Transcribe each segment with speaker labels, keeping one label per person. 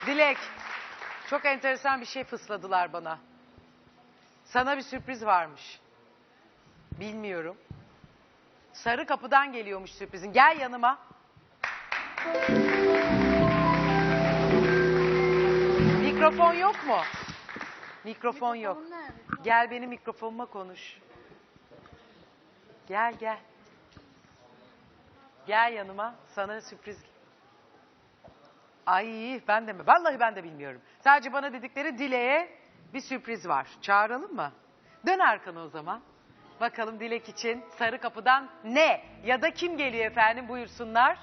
Speaker 1: Dilek, çok enteresan bir şey fısladılar bana. Sana bir sürpriz varmış. Bilmiyorum. Sarı kapıdan geliyormuş sürprizin. Gel yanıma. Mikrofon yok mu? Mikrofon yok. Gel benim mikrofonuma konuş. Gel gel. Gel yanıma. Sana sürpriz. Ay ben de mi? Vallahi ben de bilmiyorum. Sadece bana dedikleri Dilek'e bir sürpriz var. Çağıralım mı? Dön arkana o zaman. Bakalım Dilek için sarı kapıdan ne ya da kim geliyor efendim, buyursunlar.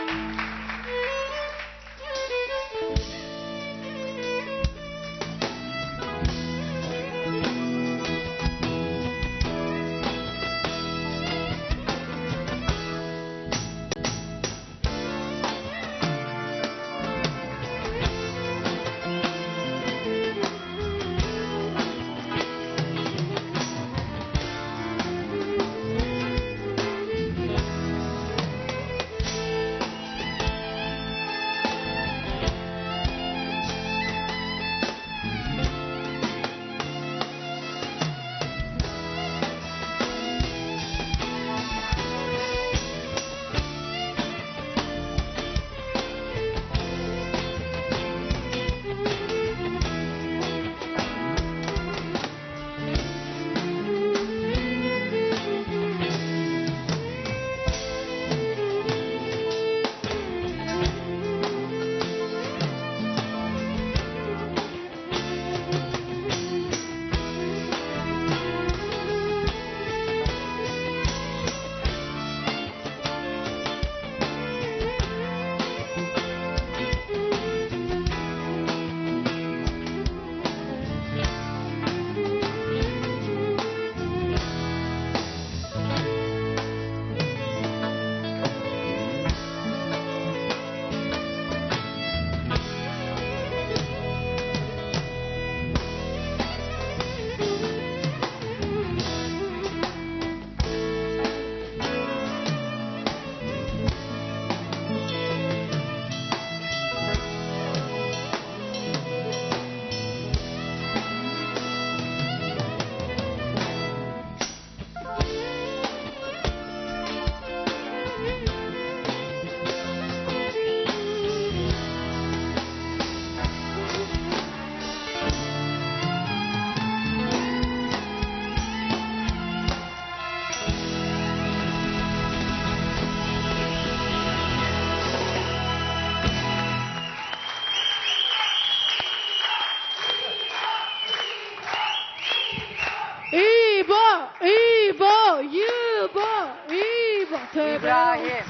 Speaker 1: İbrahim.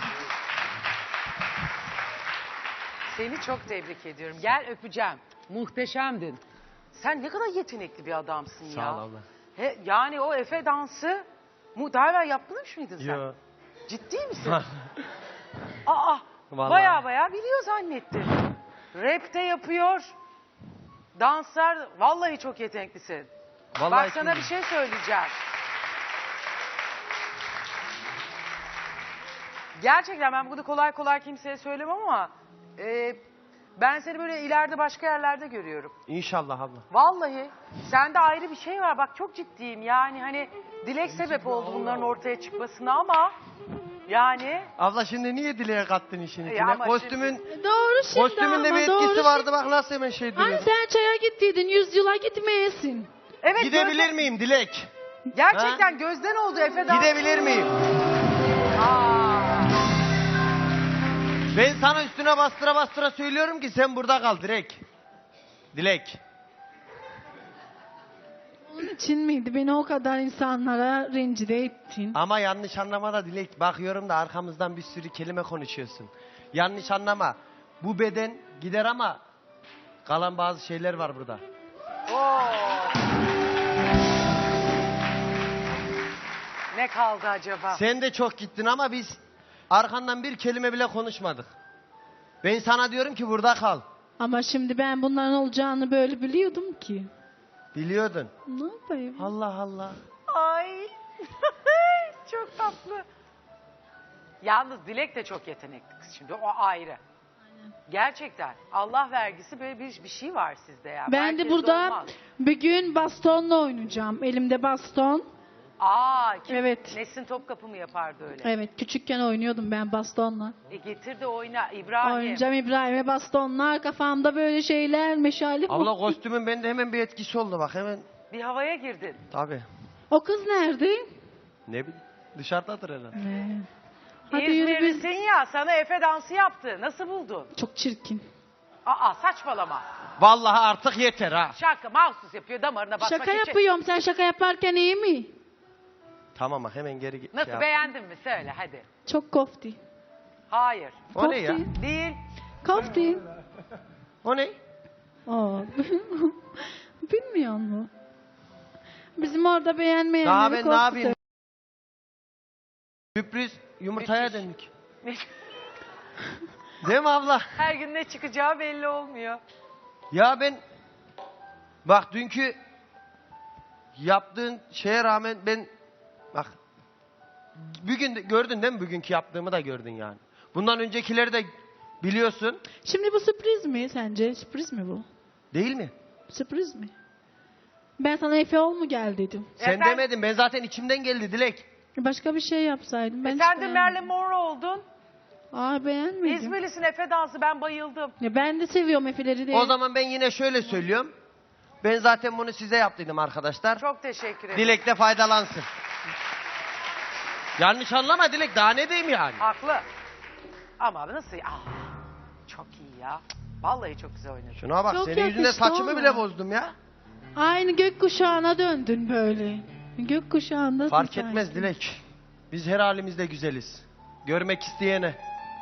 Speaker 1: Seni çok tebrik ediyorum. Gel öpeceğim. Muhteşemdin. Sen ne kadar yetenekli bir adamsın ya.
Speaker 2: Sağ ol abla.
Speaker 1: Yani o Efe dansı daha evvel yapmış mıydın sen?
Speaker 2: Yo.
Speaker 1: Ciddi misin? Aa,
Speaker 2: Vallahi.
Speaker 1: baya biliyor zannettim. Rap de yapıyor. Danslar, vallahi çok yeteneklisin.
Speaker 2: Vallahi
Speaker 1: Bak sana bir şey söyleyeceğim. Gerçekten ben bunu kolay kolay kimseye söylemem ama ben seni böyle ileride başka yerlerde görüyorum.
Speaker 2: İnşallah abla.
Speaker 1: Vallahi sende ayrı bir şey var. Bak çok ciddiyim. Yani hani Dilek sebep oldu bunların ortaya çıkmasına ama yani...
Speaker 2: Abla şimdi niye Dilek'e kattın işin içine?
Speaker 1: ama
Speaker 2: Kostümün,
Speaker 3: Doğru şimdi
Speaker 2: kostümünde
Speaker 3: ama
Speaker 2: bir
Speaker 3: doğru
Speaker 2: etkisi vardı
Speaker 3: şimdi.
Speaker 2: bak nasıl hemen şey
Speaker 3: Hani
Speaker 2: duruyor.
Speaker 3: sen çaya gittiydin 100 yıla gitmeyesin.
Speaker 1: Evet,
Speaker 2: Gidebilir miyim Dilek?
Speaker 1: Gerçekten gözden oldu Efe'den.
Speaker 2: Gidebilir miyim? Ben sana üstüne bastıra bastıra söylüyorum ki sen burada kal direkt. Dilek.
Speaker 3: Onun için miydi beni o kadar insanlara rencide ettin?
Speaker 2: Ama yanlış anlama da Dilek. Bakıyorum da arkamızdan bir sürü kelime konuşuyorsun. Yanlış anlama. Bu beden gider ama kalan bazı şeyler var burada.
Speaker 1: Ne kaldı acaba?
Speaker 2: Sen de çok gittin ama biz arkandan bir kelime bile konuşmadık. Ben sana diyorum ki burada kal.
Speaker 3: Ama şimdi ben bunların olacağını böyle biliyordum ki.
Speaker 2: Biliyordun.
Speaker 3: Ne yapayım?
Speaker 2: Allah Allah.
Speaker 1: Ay. Çok tatlı. Yalnız Dilek de çok yetenekli kız şimdi. O ayrı. Gerçekten. Allah vergisi böyle bir şey var sizde ya.
Speaker 3: Ben de
Speaker 1: Herkeste
Speaker 3: burada
Speaker 1: olmaz.
Speaker 3: bir gün bastonla oynayacağım. Elimde baston.
Speaker 1: Kim?
Speaker 3: Evet.
Speaker 1: Nesin Topkapı mı yapardı öyle?
Speaker 3: Evet, küçükken oynuyordum ben bastonla.
Speaker 1: Getir de oyna İbrahim.
Speaker 3: Oynayacağım İbrahim'e bastonlar, kafamda böyle şeyler, meşale.
Speaker 2: Abla kostümün bende hemen bir etkisi oldu bak hemen.
Speaker 1: Bir havaya girdin.
Speaker 2: Tabii.
Speaker 3: O kız nerede?
Speaker 2: Ne bileyim. Dışarıdadır herhalde.
Speaker 3: Hadi yürü biz.
Speaker 1: İzmirlisin ya, sana Efe dansı yaptı. Nasıl buldun?
Speaker 3: Çok çirkin.
Speaker 1: Saçmalama.
Speaker 2: Vallahi artık yeter ha.
Speaker 1: Şaka mahsus yapıyor, damarına basmak
Speaker 3: Şaka
Speaker 1: için.
Speaker 3: yapıyorum. Sen şaka yaparken iyi mi?
Speaker 2: Tamam bak hemen geri git.
Speaker 1: Nasıl, beğendin mi? Söyle hadi.
Speaker 3: Çok kofti.
Speaker 1: Hayır.
Speaker 2: O ne ya?
Speaker 1: Değil.
Speaker 3: Kofti.
Speaker 2: O ne?
Speaker 3: Aa. Bilmiyor musun? Bizim orada beğenmeyenleri
Speaker 2: Daha ben ne
Speaker 3: kofti.
Speaker 2: yapayım? Sürpriz yumurtaya
Speaker 1: Müthiş.
Speaker 2: döndük. Değil mi abla?
Speaker 1: Her gün ne çıkacağı belli olmuyor.
Speaker 2: Ya ben bak dünkü yaptığın şeye rağmen ben bak bugün gördün değil mi, bugünkü yaptığımı da gördün yani. Bundan öncekileri de biliyorsun.
Speaker 3: Şimdi bu sürpriz mi sence? Sürpriz mi bu?
Speaker 2: Değil mi?
Speaker 3: Sürpriz mi? Ben sana Efe ol mu gel dedim.
Speaker 2: Sen demedin, ben zaten içimden geldi Dilek.
Speaker 3: Başka bir şey yapsaydım. Ben hiç
Speaker 1: Sen de
Speaker 3: beğenmedim.
Speaker 1: Marilyn Monroe oldun.
Speaker 3: Beğenmedim.
Speaker 1: İzmirlisin, Efe dansı, ben bayıldım.
Speaker 3: Ya ben de seviyorum Efe'leri de.
Speaker 2: O zaman ben yine şöyle söylüyorum. Ben zaten bunu size yaptıydım arkadaşlar.
Speaker 1: Çok teşekkür ederim.
Speaker 2: Dilek de faydalansın. Yanlış anlama Dilek, daha ne diyeyim yani?
Speaker 1: Haklı. Ama nasıl? Çok iyi ya. Vallahi çok güzel oynadın.
Speaker 2: Şuna bak,
Speaker 3: Çok
Speaker 2: senin yüzünden
Speaker 3: yakıştı
Speaker 2: saçımı
Speaker 3: ama.
Speaker 2: bile bozdum ya.
Speaker 3: Aynı gökkuşağına döndün böyle. Gökkuşağında.
Speaker 2: Fark etmez Dilek. Biz her halimizde güzeliz. Görmek isteyene.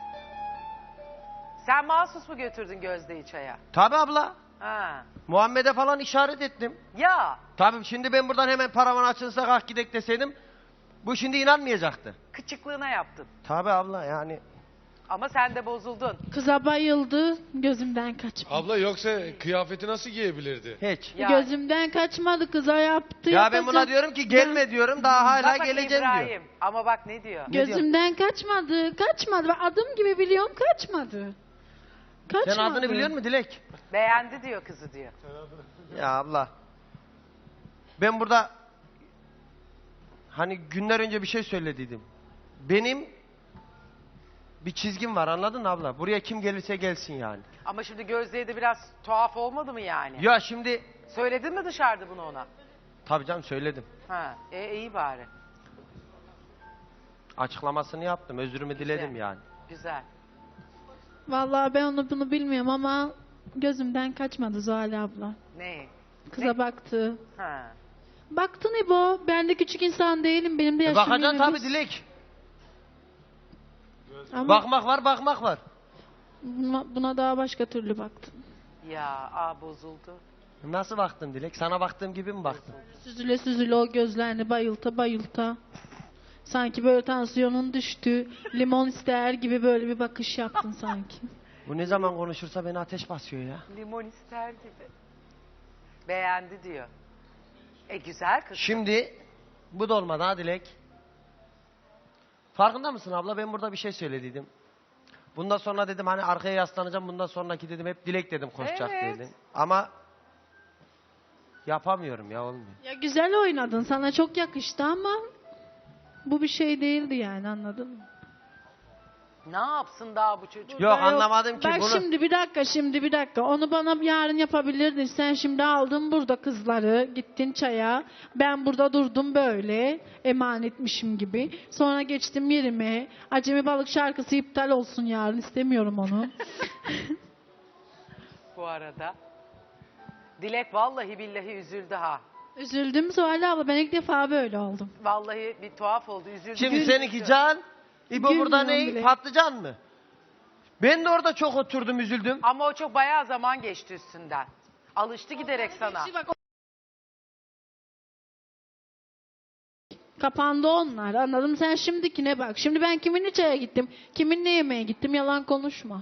Speaker 1: Sen mahsus mu götürdün Gözde'yi çaya?
Speaker 2: Tabi abla.
Speaker 1: Ha.
Speaker 2: Muhammed'e falan işaret ettim.
Speaker 1: Ya
Speaker 2: Tabii şimdi ben buradan hemen paravan açılsa kalk gidek deseydim, bu şimdi inanmayacaktı.
Speaker 1: kıçıklığına yaptın.
Speaker 2: Tabi abla yani.
Speaker 1: Ama sen de bozuldun.
Speaker 3: Kıza bayıldı. Gözümden kaçmadı.
Speaker 4: Abla yoksa kıyafeti nasıl giyebilirdi?
Speaker 2: Hiç.
Speaker 1: Ya,
Speaker 3: Gözümden kaçmadı, kıza yaptı.
Speaker 2: Ya ben buna
Speaker 3: yapacak.
Speaker 2: diyorum ki gelme diyorum, daha hala
Speaker 1: bak
Speaker 2: geleceğim
Speaker 1: İbrahim.
Speaker 2: diyor.
Speaker 1: Ama bak ne diyor?
Speaker 2: Ne diyor?
Speaker 3: Gözümden kaçmadı. Kaçmadı. Ben adım gibi biliyorum, kaçmadı. Kaçmadı.
Speaker 2: Sen adını biliyor musun Dilek?
Speaker 1: Beğendi diyor kızı diyor.
Speaker 2: Ya abla. Ben burada hani günler önce bir şey söylediydim. Benim bir çizgim var, anladın mı abla? Buraya kim gelirse gelsin yani.
Speaker 1: Ama şimdi Gözde'ye de biraz tuhaf olmadı mı yani?
Speaker 2: Ya şimdi
Speaker 1: Söyledin mi dışarıda bunu ona?
Speaker 2: tabii canım söyledim.
Speaker 1: Ha, iyi bari.
Speaker 2: Açıklamasını yaptım, özrümü diledim yani.
Speaker 1: Güzel.
Speaker 3: Vallahi ben onu bunu bilmiyorum ama gözümden kaçmadı Zuhal abla.
Speaker 1: Ne?
Speaker 3: Kıza baktı.
Speaker 1: Ha.
Speaker 3: Baktın İbo. Ben de küçük insan değilim. Benim de yaşım
Speaker 2: Bakacaksın
Speaker 3: 21.
Speaker 2: tabii Dilek.
Speaker 3: Ama
Speaker 2: Bakmak var, bakmak var.
Speaker 3: buna daha başka türlü baktım.
Speaker 1: Ya bozuldu.
Speaker 2: Nasıl baktın Dilek? Sana baktığım gibi mi baktın?
Speaker 3: Süzüle süzüle o gözlerini bayılta bayılta. Sanki böyle tansiyonun düştü. Limon ister gibi böyle bir bakış yaptın sanki.
Speaker 2: Bu ne zaman konuşursa beni ateş basıyor ya.
Speaker 1: Limon ister gibi. Beğendi diyor. Güzel kız.
Speaker 2: Şimdi bu da olmadı ha Dilek. Farkında mısın abla? Ben burada bir şey söylediydim. Bundan sonra dedim hani arkaya yaslanacağım. Bundan sonraki dedim hep Dilek dedim koşacak
Speaker 1: Evet.
Speaker 2: dedim. Ama yapamıyorum ya, olmuyor.
Speaker 3: Ya güzel oynadın. Sana çok yakıştı ama bu bir şey değildi yani, anladın mı?
Speaker 1: Ne yapsın daha bu çocuk?
Speaker 2: Yok,
Speaker 3: Ben
Speaker 2: anlamadım ki
Speaker 3: Bak
Speaker 2: bunu.
Speaker 3: şimdi bir dakika. Onu bana yarın yapabilirdin. Sen şimdi aldın burada kızları. Gittin çaya. Ben burada durdum böyle. Emanetmişim gibi. Sonra geçtim yerime. Acemi Balık şarkısı iptal olsun yarın. İstemiyorum onu.
Speaker 1: Bu arada. Dilek vallahi billahi üzüldü ha.
Speaker 3: Üzüldüm Zuhal abla. Ben ilk defa böyle oldum.
Speaker 1: Vallahi bir tuhaf oldu. Üzüldü.
Speaker 2: Şimdi
Speaker 1: Üzüldü.
Speaker 2: seninki can. İbo burada
Speaker 3: Gülmüyorum
Speaker 2: ne?
Speaker 3: bile.
Speaker 2: Patlıcan mı? Ben de orada çok oturdum, üzüldüm.
Speaker 1: Ama o çok bayağı zaman geçti üstünden. Alıştı giderek sana.
Speaker 3: Bak, kapandı onlar. Anladın mı? Sen şimdikine bak. Şimdi ben kiminle çaya gittim? Kiminle yemeğe gittim? Yalan konuşma.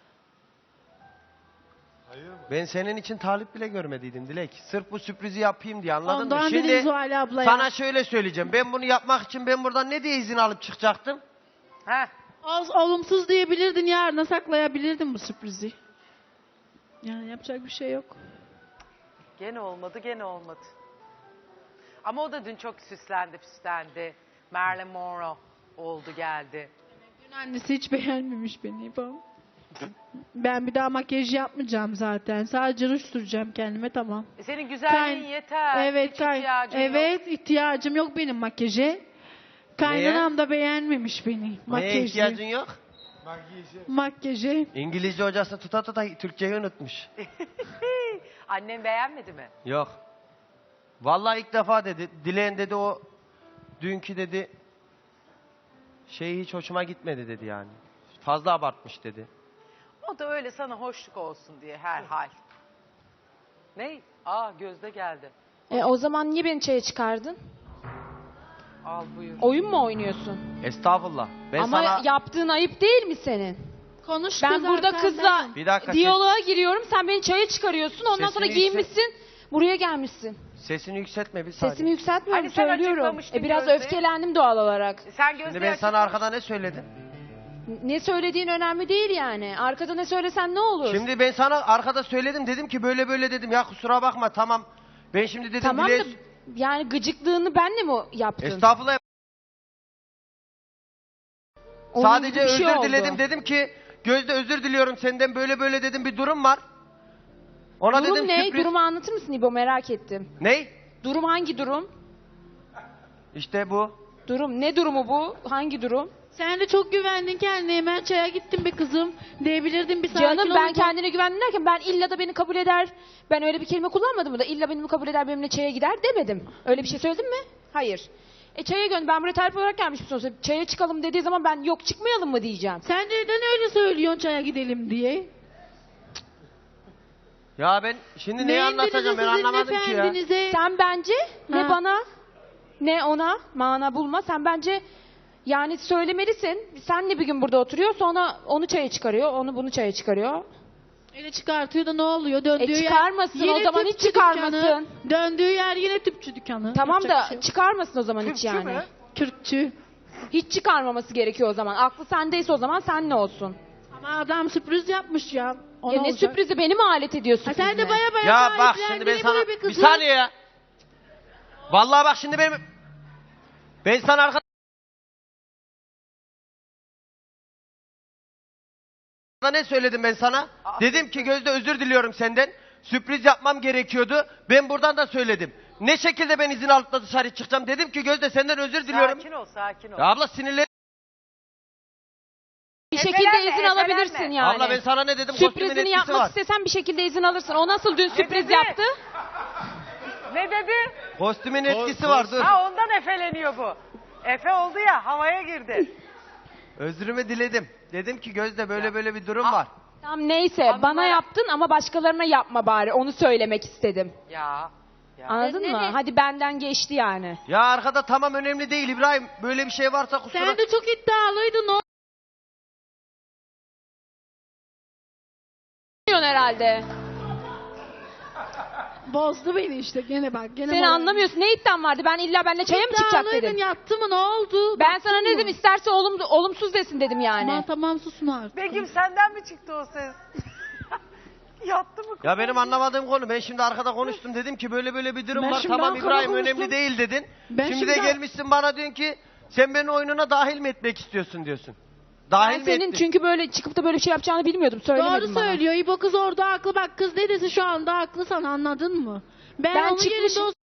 Speaker 2: Ben senin için talip bile görmediydim Dilek. Sırf bu sürprizi yapayım diye, anladın mı?
Speaker 3: Ondan dedim
Speaker 2: Şimdi
Speaker 3: Zuhal ablaya.
Speaker 2: sana şöyle söyleyeceğim. Ben bunu yapmak için ben buradan ne diye izin alıp çıkacaktım?
Speaker 1: Heh.
Speaker 3: Olumsuz diyebilirdin, yarına saklayabilirdin bu sürprizi. Yani yapacak bir şey yok.
Speaker 1: Gene olmadı, gene olmadı. Ama o da dün çok süslendi, püslendi. Marilyn Monroe oldu geldi.
Speaker 3: Dün annesi hiç beğenmemiş beni. Ben bir daha makyaj yapmayacağım zaten. Sadece ruj süreceğim kendime, tamam.
Speaker 1: Senin güzelliğin yeter.
Speaker 3: Evet,
Speaker 1: Hiç ihtiyacın yok.
Speaker 3: evet, ihtiyacım yok benim makyaja. Kaynanam da beğenmemiş beni.
Speaker 2: Neye
Speaker 3: Makyajı.
Speaker 2: ihtiyacın yok?
Speaker 3: Makyajı.
Speaker 2: İngilizce hocası tuta Türkçeyi unutmuş.
Speaker 1: Annem beğenmedi mi?
Speaker 2: Yok. Vallahi ilk defa dedi. Dileğin dedi o dünkü dedi şey hiç hoşuma gitmedi dedi yani. Fazla abartmış dedi.
Speaker 1: O da öyle sana hoşluk olsun diye herhal. Ne? Gözde geldi.
Speaker 5: O zaman niye beni çaya çıkardın?
Speaker 1: Al buyur.
Speaker 5: Oyun mu oynuyorsun?
Speaker 2: Estağfurullah. Ben
Speaker 5: Ama
Speaker 2: sana
Speaker 5: yaptığın ayıp değil mi senin?
Speaker 3: Konuştu
Speaker 5: Ben burada
Speaker 3: zaten,
Speaker 5: kızla
Speaker 2: bir dakika
Speaker 5: diyaloğa giriyorum. Sen beni çaya çıkarıyorsun. Ondan sonra
Speaker 2: Sesini
Speaker 5: giyinmişsin. Buraya gelmişsin.
Speaker 2: sesini yükseltme bir saniye.
Speaker 5: Sesimi yükseltmiyorum,
Speaker 1: Hani sen
Speaker 5: söylüyorum.
Speaker 1: açıklamıştın
Speaker 5: Biraz
Speaker 1: Gözde.
Speaker 5: öfkelendim doğal olarak.
Speaker 1: Sen
Speaker 2: Şimdi
Speaker 1: Gözde'ye
Speaker 2: ben sana
Speaker 1: açıklamış-
Speaker 2: arkada ne söyledim?
Speaker 5: Ne söylediğin önemli değil yani. Arkada ne söylesen ne olur?
Speaker 2: Şimdi ben sana arkada söyledim dedim ki böyle böyle dedim. Ya kusura bakma tamam. Ben şimdi dedim
Speaker 5: tamam da
Speaker 2: Dileğe-
Speaker 5: yani gıcıklığını benle mi yaptın?
Speaker 2: Estağfurullah.
Speaker 5: Onun
Speaker 2: Sadece
Speaker 5: gibi bir şey
Speaker 2: özür
Speaker 5: oldu.
Speaker 2: diledim. Dedim ki Gözde özür diliyorum senden böyle böyle dedim bir durum var. Ona
Speaker 5: Durum
Speaker 2: dedim
Speaker 5: ne?
Speaker 2: sürpriz.
Speaker 5: Durumu anlatır mısın İbo, merak ettim.
Speaker 2: Ne?
Speaker 5: Durum hangi durum?
Speaker 2: İşte bu.
Speaker 5: Durum ne durumu bu? Hangi durum?
Speaker 3: Sen de çok güvendin kendine. Hemen çaya gittin be kızım. Diyebilirdin bir sakin
Speaker 5: Canım ben
Speaker 3: ol.
Speaker 5: kendine güvendim derken ben illa da beni kabul eder. Ben öyle bir kelime kullanmadım da illa beni kabul eder benimle çaya gider demedim. Öyle bir şey söyledim mi? Hayır. Çaya gönder. Ben buraya tarif olarak gelmişim sonuçta. Çaya çıkalım dediği zaman ben yok çıkmayalım mı diyeceğim.
Speaker 3: Sen neden öyle söylüyorsun çaya gidelim diye?
Speaker 2: Ya ben şimdi neyi anlatacağım ben anlamadım ki ya.
Speaker 3: efendinize?
Speaker 5: Sen bence ne
Speaker 3: Ha.
Speaker 5: bana ne ona mana bulma. Sen bence yani söylemelisin. Senle bir gün burada oturuyor sonra onu çaya çıkarıyor. Onu bunu çaya çıkarıyor.
Speaker 3: Öyle çıkartıyor da ne oluyor? Döndüğü
Speaker 5: çıkarmasın,
Speaker 3: yer,
Speaker 5: o
Speaker 3: yine
Speaker 5: zaman hiç
Speaker 3: tüpçü
Speaker 5: çıkarmasın.
Speaker 3: dükkanı. Döndüğü yer yine tüpçü dükkanı.
Speaker 5: Tamam
Speaker 3: Yapacak
Speaker 5: da
Speaker 3: bir şey yok.
Speaker 5: çıkarmasın o zaman hiç
Speaker 1: Türkçü
Speaker 5: yani.
Speaker 1: mü?
Speaker 3: Kürkçü.
Speaker 5: Hiç çıkarmaması gerekiyor o zaman. Aklı sendeyse o zaman senle olsun.
Speaker 3: Ama adam sürpriz yapmış ya. Ona
Speaker 5: Ya ne
Speaker 3: olacak.
Speaker 5: sürprizi, beni mi alet ediyor
Speaker 3: Ha,
Speaker 5: sürprizine?
Speaker 3: sen de baya baya
Speaker 2: Ya bak
Speaker 3: sahiplendin
Speaker 2: şimdi ben
Speaker 3: ya
Speaker 2: sana
Speaker 3: böyle
Speaker 2: bir
Speaker 3: kızı.
Speaker 2: saniye ya. Vallahi bak şimdi ben sana arkada ne söyledim ben sana? Dedim ki Gözde özür diliyorum senden. Sürpriz yapmam gerekiyordu. Ben buradan da söyledim. Ne şekilde ben izin alıp da dışarı çıkacağım? Dedim ki Gözde senden özür diliyorum.
Speaker 1: Sakin ol, sakin ol.
Speaker 2: Ya abla sinirlen.
Speaker 5: Bir şekilde
Speaker 1: Efelenme,
Speaker 5: izin
Speaker 1: efelenme.
Speaker 5: alabilirsin yani.
Speaker 2: Abla ben sana ne dedim? Kostümün
Speaker 5: Sürprizini
Speaker 2: etkisi
Speaker 5: yapmak
Speaker 2: var.
Speaker 5: istesen bir şekilde izin alırsın. O nasıl dün sürpriz
Speaker 1: dedi?
Speaker 5: yaptı?
Speaker 1: Ne dedi?
Speaker 2: Kostümün etkisi var dur.
Speaker 1: Ha, ondan efeleniyor bu. Efe oldu ya, havaya girdi.
Speaker 2: Özrümü diledim. Dedim ki Gözde böyle böyle bir durum var.
Speaker 5: Tamam neyse
Speaker 1: Anlamaya-
Speaker 5: bana yaptın ama başkalarına yapma bari. Onu söylemek istedim.
Speaker 1: Ya.
Speaker 5: Anladın mı? Hadi benden geçti yani.
Speaker 2: Ya arkada tamam önemli değil İbrahim. Böyle bir şey varsa kusura.
Speaker 3: Sen de çok iddialıydın o.
Speaker 5: Anlıyorsun herhalde.
Speaker 3: Bozdu beni işte gene bak. Gene
Speaker 5: Sen
Speaker 3: moral-
Speaker 5: anlamıyorsun. Ne iddian vardı? Ben illa benimle çaya mı çıkacak
Speaker 3: İddialıydın,
Speaker 5: dedim.
Speaker 3: yattı mı ne oldu?
Speaker 5: Ben
Speaker 3: Baktın
Speaker 5: sana ne
Speaker 3: mı?
Speaker 5: dedim? İsterse olumsuz desin dedim yani.
Speaker 3: Tamam susun artık.
Speaker 1: Begüm senden mi çıktı o ses? Yattı mı?
Speaker 2: Ya benim anlamadığım konu. Ben şimdi arkada konuştum. Dedim ki böyle böyle bir durum
Speaker 3: Ben
Speaker 2: var.
Speaker 3: şimdi
Speaker 2: Tamam
Speaker 3: arkada
Speaker 2: İbrahim
Speaker 3: konuştum.
Speaker 2: önemli değil dedin.
Speaker 3: Ben
Speaker 2: Şimdi de
Speaker 3: şimdi-
Speaker 2: gelmişsin bana diyorsun ki sen beni oyununa dahil mi etmek istiyorsun diyorsun. Dahil
Speaker 5: Ben
Speaker 2: mi
Speaker 5: senin
Speaker 2: ettin?
Speaker 5: çünkü böyle çıkıp da böyle bir şey yapacağını bilmiyordum. Söylemedin
Speaker 3: Doğru
Speaker 5: bana.
Speaker 3: söylüyor. İbo kız orada haklı. Bak kız ne dese şu anda haklı, sana anladın mı? Ben onun
Speaker 5: çıkmışım-
Speaker 3: yerinde olsam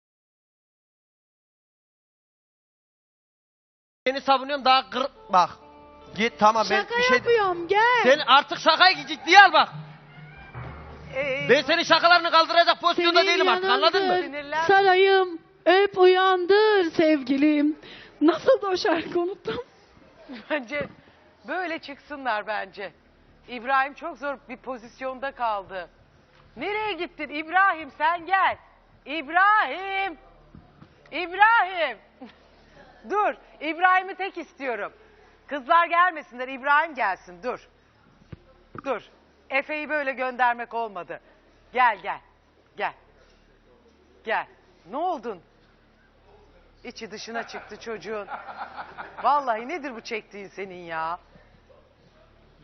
Speaker 2: Seni savunuyorum daha kır... Bak. Git tamam ben
Speaker 3: şaka
Speaker 2: bir şey...
Speaker 3: yapıyorum gel.
Speaker 2: Sen artık şakayı ciddiye al bak.
Speaker 1: Ee,
Speaker 2: Ben senin şakalarını kaldıracak pozisyonda
Speaker 3: Senin
Speaker 2: değilim artık anladın mı?
Speaker 3: yanındır,
Speaker 1: Sinirlen.
Speaker 3: sarayım öp uyandır sevgilim. Nasıl da o şarkı unuttum.
Speaker 1: Bence böyle çıksınlar bence. İbrahim çok zor bir pozisyonda kaldı. Nereye gittin İbrahim, sen gel. İbrahim. İbrahim. Dur. İbrahim'i tek istiyorum. Kızlar gelmesinler, İbrahim gelsin. Dur. Dur. Efe'yi böyle göndermek olmadı. Gel gel. Gel. Gel. Ne oldun? İçi dışına çıktı çocuğun. Vallahi nedir bu çektiğin senin ya?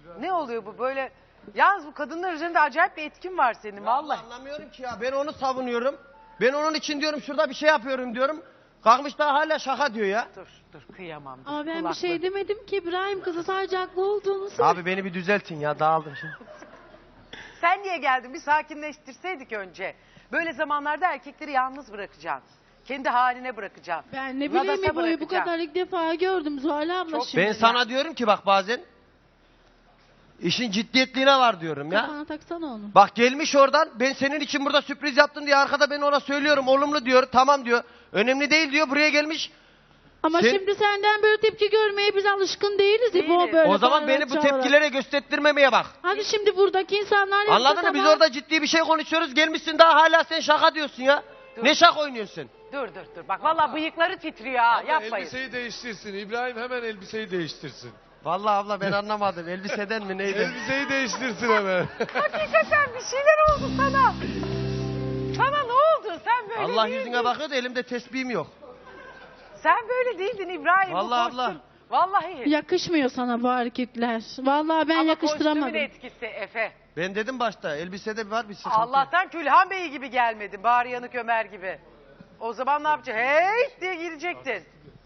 Speaker 1: Ne oluyor bu böyle? Yalnız bu kadınlar üzerinde acayip bir etkin var senin vallahi.
Speaker 2: Anlamıyorum ki ya. Ben onu savunuyorum. Ben onun için diyorum şurada bir şey yapıyorum diyorum. Kalkmış daha hala şaka diyor ya.
Speaker 1: Dur kıyamam. Dur,
Speaker 3: Ama ben bir
Speaker 1: kulakları.
Speaker 3: şey demedim ki İbrahim, kızı sadece haklı olduğunu söyledi.
Speaker 2: Abi beni bir düzeltin ya, dağıldım şimdi.
Speaker 1: Sen niye geldin? Bir sakinleştirseydik önce. Böyle zamanlarda erkekleri yalnız bırakacaksın. Kendi haline bırakacaksın.
Speaker 3: Ben ne
Speaker 1: Nadasa
Speaker 3: bileyim İbo'yu bu
Speaker 1: bırakacaksın.
Speaker 3: kadar ilk defa gördüm Zuhal abla
Speaker 1: Çok-
Speaker 3: şimdi.
Speaker 2: Ben sana diyorum ki bak bazen işin ciddiyetliğine var diyorum ya.
Speaker 3: Kafana taksana onu.
Speaker 2: Bak gelmiş oradan, ben senin için burada sürpriz yaptım diye arkada ben ona söylüyorum, olumlu diyor, tamam diyor. Önemli değil diyor, buraya gelmiş.
Speaker 3: Ama
Speaker 2: Sen-
Speaker 3: şimdi senden böyle tepki görmeye biz alışkın değiliz İbo,
Speaker 1: Değiliz.
Speaker 3: böyle
Speaker 2: O zaman
Speaker 3: bağırarak
Speaker 2: beni bu
Speaker 3: çağırarak.
Speaker 2: tepkilere gösterttirmemeye bak.
Speaker 3: Hadi şimdi buradaki insanlar yapsa
Speaker 2: Anladın mı? Biz
Speaker 3: tamam.
Speaker 2: orada ciddi bir şey konuşuyoruz, gelmişsin daha hala sen şaka diyorsun ya.
Speaker 1: Dur.
Speaker 2: Ne şaka oynuyorsun?
Speaker 1: Dur. Bak vallahi bıyıkları titriyor ha.
Speaker 4: Abla
Speaker 1: Yapmayın.
Speaker 4: elbiseyi değiştirsin. İbrahim hemen elbiseyi değiştirsin.
Speaker 2: Vallahi abla ben anlamadım, elbiseden mi neydi?
Speaker 4: Elbiseyi değiştirsin hemen.
Speaker 1: Hakikaten bir şeyler oldu sana. Sana ne oldu? Sen böyle
Speaker 2: Allah
Speaker 1: değildin.
Speaker 2: yüzüne bakıyor da elimde tesbihim yok.
Speaker 1: Sen böyle değildin İbrahim. bu
Speaker 2: Vallahi
Speaker 1: kostüm.
Speaker 2: abla.
Speaker 1: Vallahi.
Speaker 3: Yakışmıyor sana bu hareketler. Vallahi ben
Speaker 1: Ama
Speaker 3: yakıştıramadım.
Speaker 1: kostümün etkisi Efe.
Speaker 2: Ben dedim başta, elbisede var bir sıkıntı.
Speaker 1: Allah'tan Külhan Bey gibi gelmedin. Bari Yanık Ömer gibi. O zaman ne yapacaksın? Hey diye girecektin.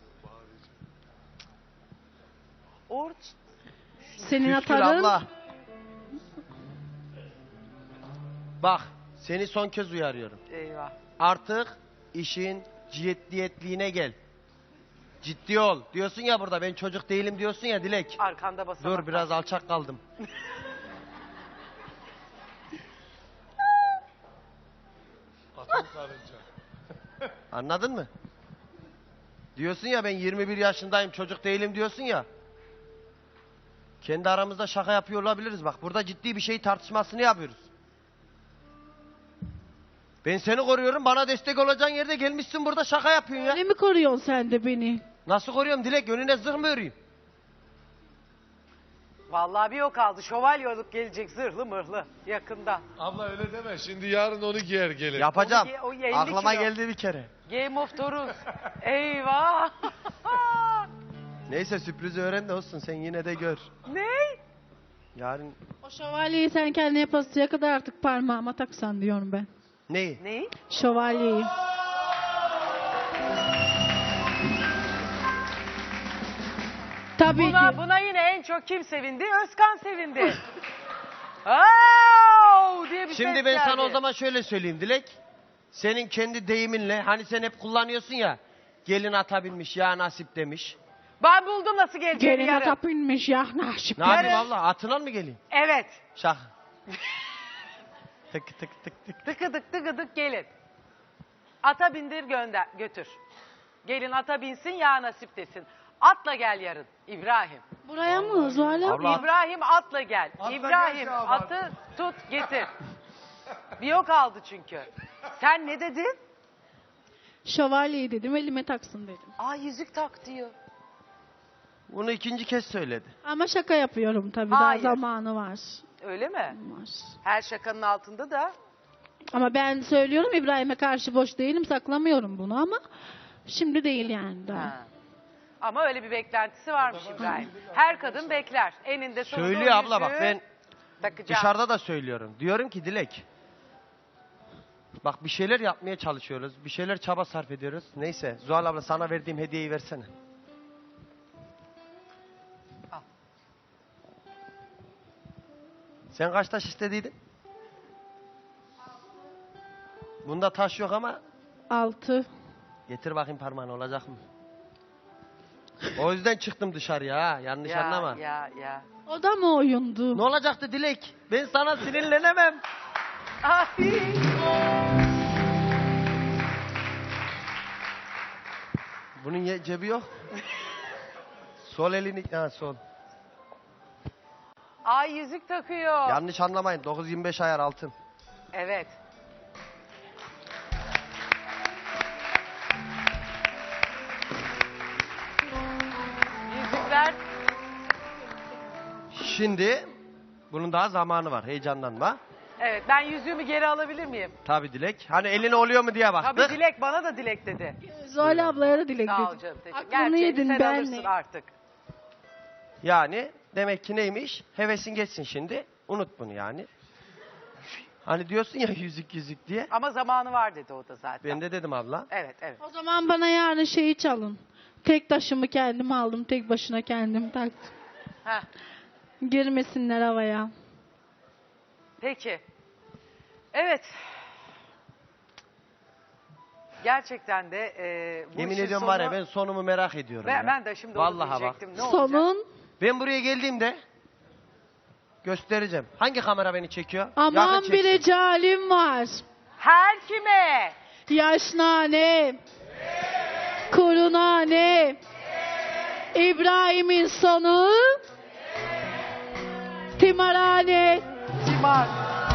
Speaker 3: Senin
Speaker 2: Küstür
Speaker 3: atarın
Speaker 2: abla. Bak, seni son kez uyarıyorum.
Speaker 1: Eyvah.
Speaker 2: Artık işin ciddiyetliğine gel. Ciddi ol. Diyorsun ya burada, ben çocuk değilim diyorsun ya Dilek.
Speaker 1: Arkanda basamak.
Speaker 2: Dur biraz alçak kaldım.
Speaker 4: Atom karınca.
Speaker 2: Anladın mı? Diyorsun ya ben 21 yaşındayım, çocuk değilim diyorsun ya. Kendi aramızda şaka yapıyor olabiliriz. Bak burada ciddi bir şey tartışmasını yapıyoruz. Ben seni koruyorum, bana destek olacağın yerde gelmişsin burada şaka yapıyorsun ya.
Speaker 3: öyle mi koruyorsun sen de beni?
Speaker 2: Nasıl koruyorum Dilek? Önüne zırh mı öreyim?
Speaker 1: Vallahi bir o kaldı. Şövalye olup gelecek zırhlı mırhlı yakında.
Speaker 4: Abla öyle deme. Şimdi yarın onu giyer gelir.
Speaker 2: Yapacağım.
Speaker 1: O 50
Speaker 2: Aklıma
Speaker 1: kilo.
Speaker 2: geldi bir kere.
Speaker 1: Game of Thrones. Eyvah.
Speaker 2: Neyse sürprizi öğren de olsun, sen yine de gör.
Speaker 1: Ne?
Speaker 2: Yarın
Speaker 3: O şövalyeyi sen kendine yapasıya kadar artık parmağıma taksan diyorum ben.
Speaker 2: neyi?
Speaker 1: Neyi?
Speaker 3: Şövalyeyi. Tabii ki.
Speaker 1: Buna yine en çok kim sevindi? Özkan sevindi. Au! diye bir
Speaker 2: Şimdi
Speaker 1: ses
Speaker 2: ben
Speaker 1: geldi.
Speaker 2: sana o zaman şöyle söyleyeyim Dilek. Senin kendi deyiminle, hani sen hep kullanıyorsun ya. Gelin ata binmiş ya nasip demiş.
Speaker 1: Ben buldum nasıl geleceğini
Speaker 3: Gelin
Speaker 1: yarın.
Speaker 3: ata binmiş ya naşip.
Speaker 2: Ne yapayım
Speaker 1: Yarın-
Speaker 2: abla, atına mı geleyim?
Speaker 1: Evet.
Speaker 2: Şaka. tık tık tık tık.
Speaker 1: Tıkıdık tıkıdık gelin. Ata bindir götür. Gelin ata binsin ya nasip desin. Atla gel yarın İbrahim.
Speaker 3: Buraya mı Zuhal abla?
Speaker 2: Abla-
Speaker 1: İbrahim atla gel.
Speaker 4: Atla
Speaker 1: İbrahim
Speaker 4: gel Şaban.
Speaker 1: atı tut getir. Bir yok aldı çünkü. Sen ne dedin?
Speaker 3: Şövalyeyi dedim, elime taksın dedim.
Speaker 1: Aa yüzük tak diyor.
Speaker 2: Bunu ikinci kez söyledi.
Speaker 3: Ama şaka yapıyorum tabii,
Speaker 1: Hayır.
Speaker 3: daha zamanı var.
Speaker 1: Öyle mi?
Speaker 3: Var.
Speaker 1: Her şakanın altında da.
Speaker 3: Ama ben söylüyorum, İbrahim'e karşı boş değilim, saklamıyorum bunu ama şimdi değil yani daha.
Speaker 1: Ha. Ama öyle bir beklentisi varmış İbrahim. Her kadın bekler. Eninde sonunda
Speaker 2: Söylüyor
Speaker 1: o
Speaker 2: abla bak,
Speaker 1: yüzüğü
Speaker 2: ben
Speaker 1: takacağım.
Speaker 2: dışarıda da söylüyorum. Diyorum ki Dilek. Bak bir şeyler yapmaya çalışıyoruz. Bir şeyler çaba sarf ediyoruz. Neyse Zuhal abla, sana verdiğim hediyeyi versene.
Speaker 1: Al.
Speaker 2: Sen kaç taş istediydin? Bunda taş yok ama
Speaker 3: 6.
Speaker 2: getir bakayım parmağını, olacak mı? O yüzden çıktım dışarıya ha, yanlış anlama.
Speaker 1: Ya.
Speaker 3: O da mı oyundu?
Speaker 2: Ne olacaktı Dilek? Ben sana sinirlenemem.
Speaker 1: Ay.
Speaker 2: Bunun cebi yok. Sol elini, ha sol.
Speaker 1: Ay yüzük takıyor.
Speaker 2: Yanlış anlamayın, 9-25 ayar altın.
Speaker 1: Evet. Yüzükler.
Speaker 2: Şimdi bunun daha zamanı var, heyecanlanma.
Speaker 1: Evet, ben yüzüğümü geri alabilir miyim?
Speaker 2: Tabii Dilek. Hani eline oluyor mu diye baktık.
Speaker 1: Tabii Dilek bana da Dilek dedi.
Speaker 3: Zuhal ablaya da dilek
Speaker 1: Sağ ol
Speaker 3: dedim.
Speaker 1: canım. Teşekkür.
Speaker 3: Aklını
Speaker 1: Gerçeğini
Speaker 3: yedin
Speaker 1: sen
Speaker 3: benle.
Speaker 1: alırsın artık.
Speaker 2: Yani Demek ki neymiş? Hevesin geçsin şimdi. Unut bunu yani. Hani diyorsun ya yüzük diye.
Speaker 1: Ama zamanı var dedi o da zaten.
Speaker 2: Ben de dedim abla.
Speaker 1: Evet evet.
Speaker 3: O zaman bana yarın şeyi çalın. Tek taşımı kendim aldım. Tek başına kendim taktım.
Speaker 1: Heh,
Speaker 3: Girmesinler havaya.
Speaker 1: peki. Evet. Gerçekten de bu
Speaker 2: Yemin
Speaker 1: işin
Speaker 2: ediyorum
Speaker 1: sonu...
Speaker 2: var ya ben sonumu merak ediyorum ya.
Speaker 1: Ben de şimdi
Speaker 2: Vallahi
Speaker 1: onu
Speaker 2: bak.
Speaker 1: diyecektim. Ne olacak?
Speaker 3: Sonun
Speaker 2: Ben buraya geldiğimde göstereceğim. Hangi kamera beni çekiyor?
Speaker 3: aman
Speaker 2: Yakın
Speaker 3: bir
Speaker 2: çeksin.
Speaker 3: recalim var.
Speaker 1: Her kime?
Speaker 3: Yaşnane. Kurunane. İbrahim'in sonu. Timarhane.
Speaker 1: Timar.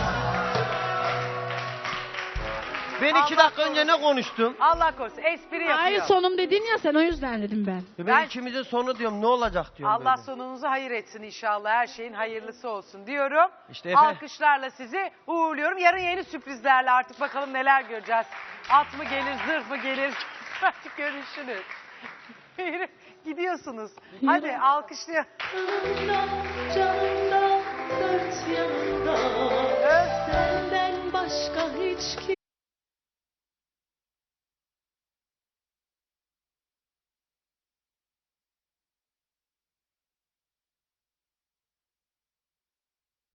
Speaker 2: Ben
Speaker 1: Allah
Speaker 2: 2 dakika önce ne konuştum?
Speaker 1: Allah korusun. Espri yapıyor.
Speaker 3: Hayır sonum dedin ya sen o yüzden dedim ben.
Speaker 2: Ben ikimizin sonu diyorum ne olacak diyorum.
Speaker 1: Allah
Speaker 2: böyle.
Speaker 1: sonunuzu hayır etsin inşallah. Her şeyin hayırlısı olsun diyorum.
Speaker 2: İşte Efe.
Speaker 1: Alkışlarla sizi uğurluyorum. Yarın yeni sürprizlerle artık bakalım neler göreceğiz. At mı gelir, zırh mı gelir? Artık görüşürüz. Gidiyorsunuz. Hadi alkışlayalım.
Speaker 3: Canımda, canımda, dört yanımda.